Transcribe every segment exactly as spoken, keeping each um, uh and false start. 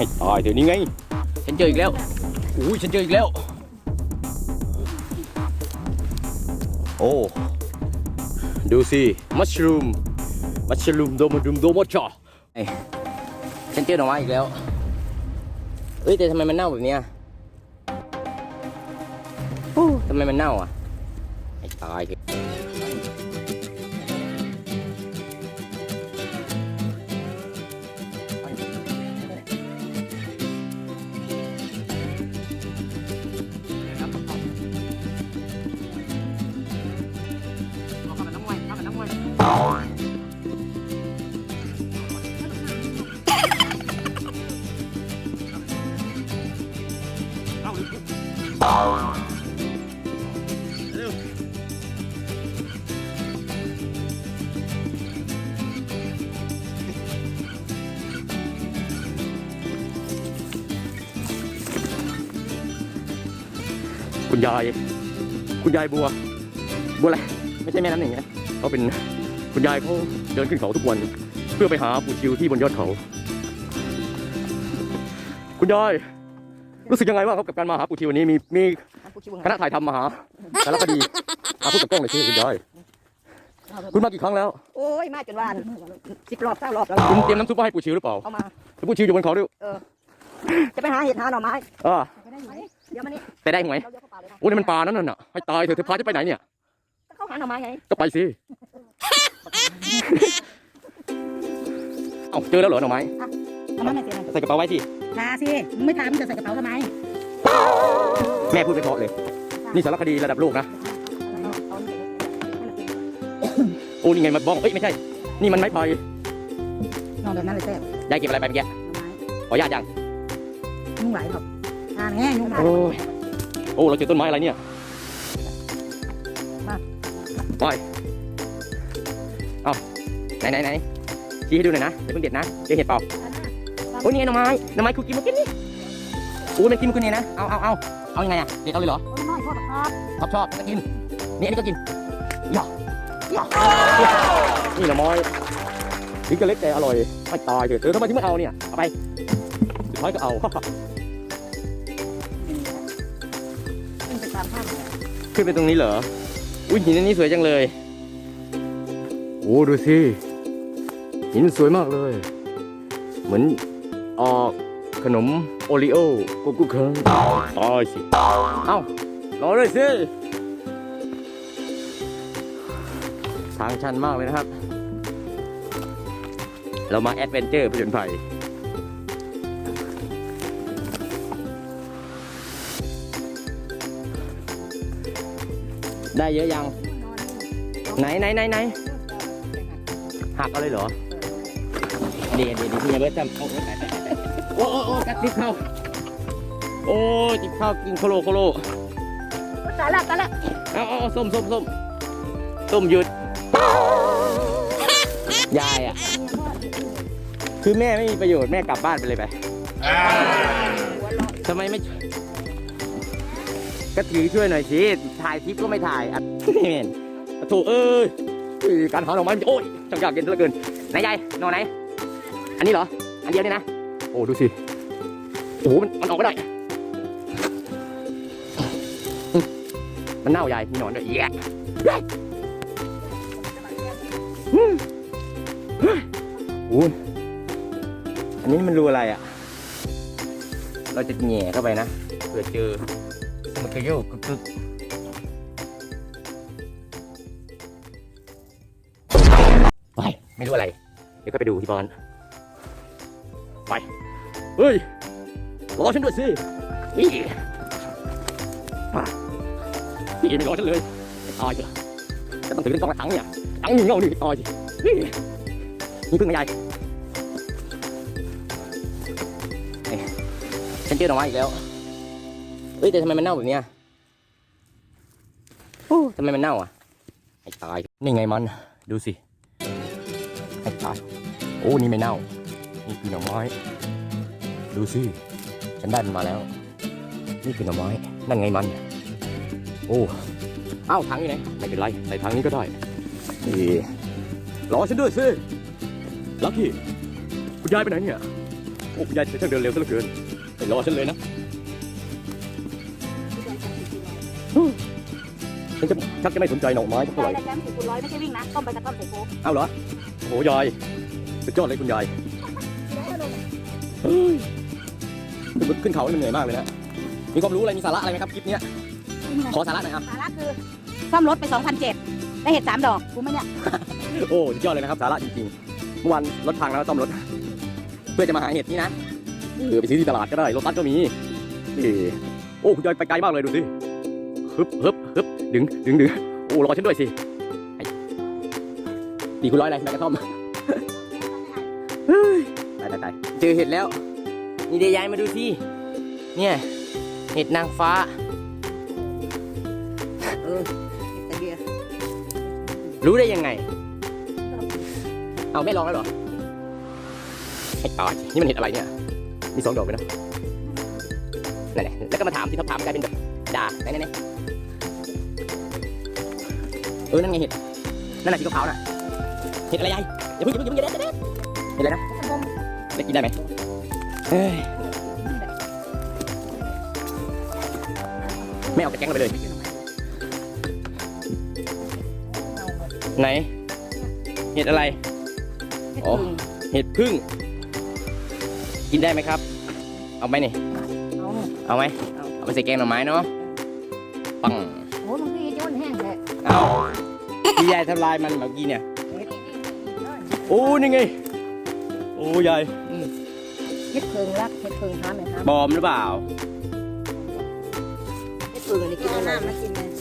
ให้ตายเดี๋ยวนี้ไงฉันเจออีกแล้วอุ้ยฉันเจออีกแล้วโอ้ดูสิมัชรูมมัชรูมโดมดุมโดมอชอฉันเจอหน่อไม้อีกแล้วเอ้ยแต่ทำไมมันเน่าแบบนี้ทำไมมันเน่าอ่ะให้ตายเถอะคุณยายคุณยายบัวบัวอะไรไม่ใช่แม่น้ำหนึ่งนะเขาเป็นคุณยายเขาเดินขึ้นเขาทุกวันเพื่อไปหาปู่ชิวที่บนยอดเขาคุณยายรู้สึกยังไงบ้างครับกับการมาหาปู่ชิววันนี้มีมีคณะถ่ายทำมาหาสารคดีมาพูดกับกล้องเลยสิคุณยายคุณมากี่ครั้งแล้วโอ้ยมาจนวานสิบรอบเก้ารอบแล้วคุณเตรียมน้ำซุปมาให้ปู่ชิวหรือเปล่าเอามาปู่ชิวอยู่บนเขาด้วยเออจะไปหาเห็ดหาหน่อไม้อ่าเดี๋ยวมานี่แต่ได้หวยโอ้นี่มันปลานั่นน่ะให้ตายเถอะเธอพาจะไปไหนเนี่ยเข้าหาหน่อไม้ไงก็ไปสิเอ้าเจอแล้วเหรอหน่อไม้เอามาไหนเสียใส่กระเป๋าไว้สิลาสิมึงไม่ทำมึงจะใส่กระเป๋าทำไมแม่พูดไปเพราะเลยนี่สารคดีระดับโลกนะโอ้นี่ไงมันบ้องเอ้ยไม่ใช่นี่มันไม้พายนอนแบบนั้นเลยแซ่บยายเก็บอะไรไปเมื่อกี้ขอญาตยังยุ่งไหลครับทานแง่ยุ่งไหลโอ้โอ้เราเจอต้นไม้อะไรเนี่ยไปเอาไหนไหนไหนชี้ให้ดูหน่อยนะเดี๋ยวเพิ่งเด็ดนะเจอเห็ดเปล่าโอ้นี่ไงหน่อไม้หน่อไม้คุกกินมากินนี่โอ้มันกินมากินนี่นะเอาเอาเอาเอายังไงอ่ะเด็ดเอาเลยเหรอน้อยชอบชอบชอบก็กินนี่อันนี้ก็กินย่านี่หน่อไม้นี่ก็เล็กแต่อร่อยไม่ตายเถอะเออทำไมถึงไม่เอาเนี่ยเอาไปสุดท้ายก็เอาขึ้นไปตรงนี้เหรออุ้ยหินอันนี้สวยจังเลยโอ้ดูสิหินสวยมากเลยเหมือนออกขนมโอริโอโกกุเคิงตายสิเอ้ารอเลยสิทางชันมากเลยนะครับเรามาแอดเวนเจอร์ผจญภัยได้เยอะยังไหนไหนไหนไหนหักเอาเลยเหรอเดี๋ยวเดี๋ยวพี่เบิร์ตจำเอาโอ้โอ้โอ้กัดติดเข้าโอ้ติดเข้ากินโคโลโคโลตายละตายละเอาเอาส้มส้มส้มส้มหยุดยายอ่ะคือแม่ไม่มีประโยชน์แม่กลับบ้านไปเลยไปทำไมไม่ก็ถือช่วยหน่อยสิถ่ายคลิปก็ไม่ถ่ายอ่ะเห็นโถเอ้ยการหาหน่อไม้โอ้ยจังยากเย็นเหลือเกินไหนยายหน่อไหนอันนี้เหรออันเดียวนี่นะโอ้ดูสิโอ้มันมันออกไม่ได้มันเน่ายายมีหนอนด้วยแย่โอ้อันนี้มันรูอะไรอ่ะเราจะแง่เข้าไปนะเผื่อเจอมันจะโยกกึกไปไม่รู้อะไรเดี๋ยวก็ไปดูที่บ้านไปเฮ้ยรอฉันด้วยสินี่มานี่ไม่รอฉันเลยตายจ้ะจะต้องถือเป็นกองถังเนี่ยถังหนึ่งเงาหนึ่งตายสินี่นี่พึ่งไม่ใหญ่ฉันเจอหน่อไม้อีกแล้วเอ้ยแต่ทำไมมันเน่าแบบนี้ทำไมมันเน่าอ่ะไอ้ตายนี่ไงมันดูสิไอ้ตายโอ้นี่ไม่เน่านี่คือหน่อไม้ดูสิฉันได้มันมาแล้วนี่คือหน่อไม้นั่นไงมันโอ้เอ้าถังอยู่ไหนไม่เป็นไรใส่ถังนี้ก็ได้นี่รอฉันด้วยสิลักกี้คุณยายไปไหนเนี่ยโอ้อ้คุณยายเธอช่างเดินเร็วซะเหลือเกินไปรอฉันเลยนะฉันจะชักจะไม่สนใจหน่อไม้สักเท่าไหร่แก้มสี่คูณร้อยไม่ใช่วิ่งนะต้มไปกระท่อมใส่โค้กเอาเหรอโอ้ยายสุดยอดเลยคุณยายเฮ้ยขึ้นเขาเหนื่อยมากเลยนะมีความรู้อะไรมีสาระอะไรไหมครับคลิปนี้ขอสาระหน่อยครับสาระคือซ่อมรถไปสองพันเจ็ดได้เห็ดสามดอกกูไหมเนี่ยโอ้สุดยอดเลยนะครับสาระจริงๆเมื่อวานรถพังแล้วซ่อมรถเพื่อจะมาหาเห็ดนี่นะเออไปซื้อที่ตลาดก็ได้รถตัดก็มีนี่โอ้คุณยายไปไกลมากเลยดูสิฮึบฮึบฮึบดึงดึงดึงโอ้รอฉันด้วยสิตีคุณร้อยอะไรแม่กระท่อมเฮ้ยตายตายตายเจอเห็ดแล้วนี่เดี๋ยวยายมาดูสิเนี่ยเห็ดนางฟ้าเออแต่เบียร์รู้ได้ยังไงเอาไม่ลองแล้วเหรอไอ้ตายนี่มันเห็ดอะไรเนี่ยมีสองดอกเลยนะนั่นแหละแล้วก็มาถามที่เขาถามกลายเป็นแบบด่าไหนไหนไหนเออนั่นไงเห็ดนั่นแหละสีขาวๆน่ะเห็ดอะไรยายอย่าเพิ่งอย่าเพิ่งอย่าเพิ่งอย่าเด็ดเห็ดอะไรนะได้กินได้ไหมเฮ้ยไม่เอาแต่แกงเราไปเลยไหนเห็ดอะไรอ๋อเห็ดพึ่งกินได้ไหมครับเอาไหมนี่เอาเอาไหมเอาไปใส่แกงหน่อไม้เนาะปังโอ้มันคือจะมันแห้งแท้เอาพี่ยายทำลายมันเมื่อกี้เนี่ยโอ้นี่ไงโอ้ยายเห็ดเพิงรักเห็ดเพิงทานไหมครับปลอมหรือเปล่าเห็ดเพิงอันนี้กินน้ำมากินเลย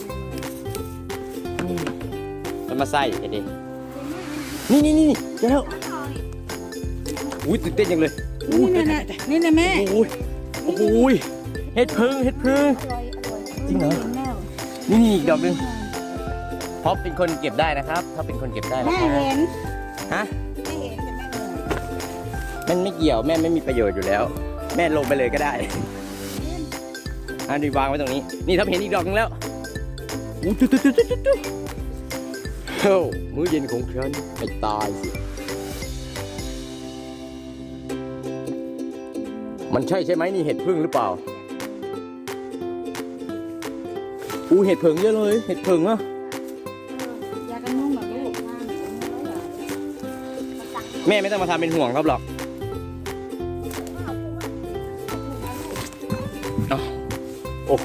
มันมาใส่เด็ดนี่นี่นี่เดี๋ยวอุ้ยตื่นเต้นจังเลยนี่นะนี่นะแม่โอ้ยโอ้ยเห็ดพึ่งเห็ดพึ่งอร่อยอร่อยจริงเหรอ นี่นี่อีกดอกหนึงเพราะเป็นคนเก็บได้นะครับถ้าเป็นคนเก็บได้นะแม่ครับเห็นฮะแม่เห็นแต่แม่เหนื่อยมันไม่เกี่ยวแม่ไม่มีประโยชน์อยู่แล้ว แม่ลงไปเลยก็ได้อันนี้วางไว้ตรงนี้ นี่ถ้าเห็นอีกดอกหนึงแล้วอู้ตุ๊ดตุ๊ดตุ๊ดตุ๊ดตุ๊ดเฮ้ยมื้อเย็นของฉันไปตายสิมันใช่ใช่ไหมนี่เห็ดพึ่งหรือเปล่าอู้เห็ดเผิงเยอะเลยเห็ดเผิงอ่ะยากันยุ่งแบบลูกแม่ไม่ต้องมาทำเป็นห่วงครับหรอกอ้าวโอ้โห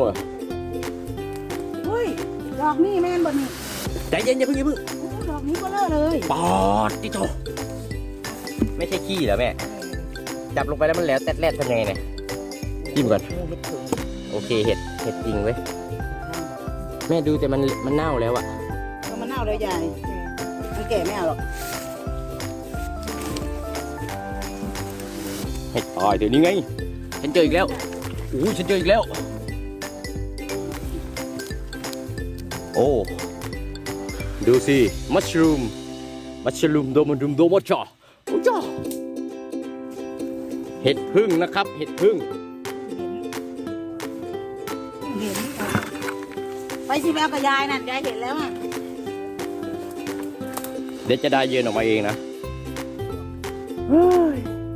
เฮ้ยดอกนี่แม่นบนนี่ใจเย็นอย่าเพิ่งอย่าเพิ่งดอกนี้ก็เลอะเลยปอดติโตไม่ใช่ขี้เหรอแม่จับลงไปแล้วมันแหล้วแตดแรดทำยังไงเนี่ยจิ้มก่อนโอเคเห็ดเห็ดจริงเว้ยแม่ดูแต่มันมันเน่าแล้วอะก็มันเน่าเลยยายมันแก่ไม่เอาหรอกเห็ดตายเดี๋ยวนี้ไงฉันเจออีกแล้วอู้ฉันเจออีกแล้วโอ้ดูสิมัชรูมมัชรูมโดมันดุมโดมจ่อโอ้จ่อเห็ดพึ่งนะครับเห็ดพึ่งเห็นไปสิแมวกับยายน่ะยายเห็นแล้วอ่ะเดี๋ยวจะได้เย็นออกมาเองนะเฮ้ย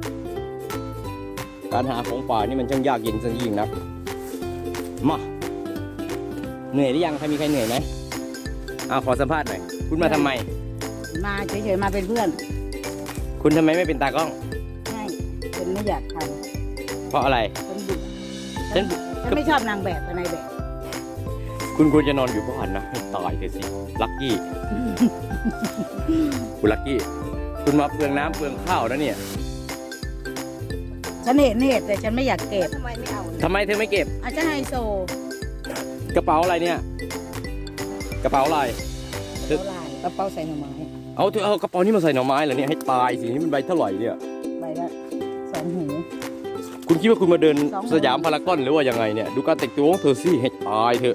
การหาของป่านี่มันช่างยากเย็นซะยิ่งนักมาเหนื่อยหรือยังใครมีใครเหนื่อยไหมเอาขอสัมภาษณ์หน่อยคุณมาทำไมมาเฉยๆมาเป็นเพื่อนคุณทำไมไม่เป็นตากล้องใช่ฉันไม่อยากทเพราะอะไรำฉันเบื่อฉันฉันไม่ชอบนางแบบกับนายแบบคุณควรจะนอนอยู่บ้านนะให้ตายเถอะสิลักกี้ คุณลักกี้คุณมาเปลืองน้ำเปลืองข้าวนะเนี่ยฉันเห็นเหตุแต่ฉันไม่อยากเก็บทำไมไม่เอาทำไมเธอไม่เก็บอาจจะไฮโซกระเป๋าอะไรเนี่ยกระเป๋าอะไรกระเป๋าลายกระเป๋าใส่หน่อไม้เอาเธอเอากระเป๋านี้มาใส่หน่อไม้เหรอเนี่ยให้ตายสินี่มันใบเท่าไหร่เนี่ยใบละสองหูคุณคิดว่าคุณมาเดินสองหมื่นสยามพารากอนหรือว่ายังไงเนี่ยดูการแต่งตัวของเธอสิให้ตายเถอะ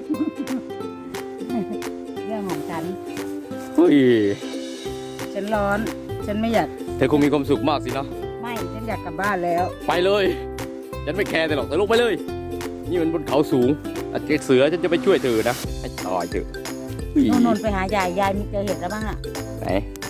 เรื่องของฉันเฮ้ยฉันร้อน ฉันไม่อยากเธอคงมีความสุขมากสินะไม่ฉันอยากกลับบ้านแล้วไปเลยฉันไม่แคร์แต่หรอกแต่ลงไปเลย นี่มันบนเขาสูงอาจจะเสือฉันจะไปช่วยเธอนะให้ตายเถอะเฮ้ยโนนนไปหายายยายมีเจอเห็ดแล้วบ้างอ่ะไหน